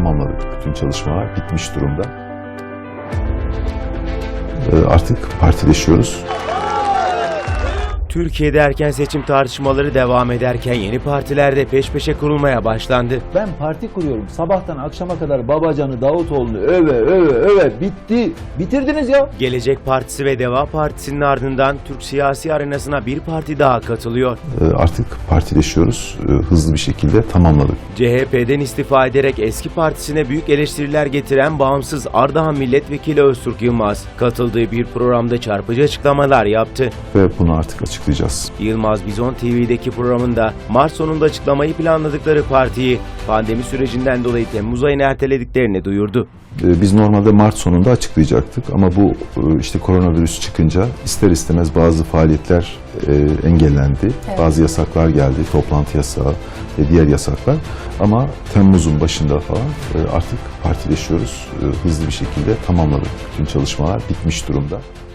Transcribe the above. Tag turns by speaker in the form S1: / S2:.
S1: tamamladık. Bütün çalışmalar bitmiş durumda. Artık partileşiyoruz.
S2: Türkiye'de erken seçim tartışmaları devam ederken yeni partiler de peş peşe kurulmaya başlandı.
S3: Ben parti kuruyorum. Sabahtan akşama kadar Babacan'ı, Davutoğlu'nu öve bitti. Bitirdiniz ya.
S2: Gelecek Partisi ve Deva Partisi'nin ardından Türk siyasi arenasına bir parti daha katılıyor.
S1: Artık partileşiyoruz. Hızlı bir şekilde tamamladık.
S2: CHP'den istifa ederek eski partisine büyük eleştiriler getiren bağımsız Ardahan Milletvekili Öztürk Yılmaz, katıldığı bir programda çarpıcı açıklamalar yaptı.
S1: Ve bunu artık açıklayacağız.
S2: Yılmaz Bizon TV'deki programında Mart sonunda açıklamayı planladıkları partiyi pandemi sürecinden dolayı Temmuz ayına ertelediklerini duyurdu.
S1: Biz normalde Mart sonunda açıklayacaktık ama bu işte koronavirüs çıkınca ister istemez bazı faaliyetler engellendi. Evet. Bazı yasaklar geldi, toplantı yasağı ve diğer yasaklar. Ama Temmuz'un başında falan artık partileşiyoruz. Hızlı bir şekilde tamamladık. Bütün çalışmalar bitmiş durumda.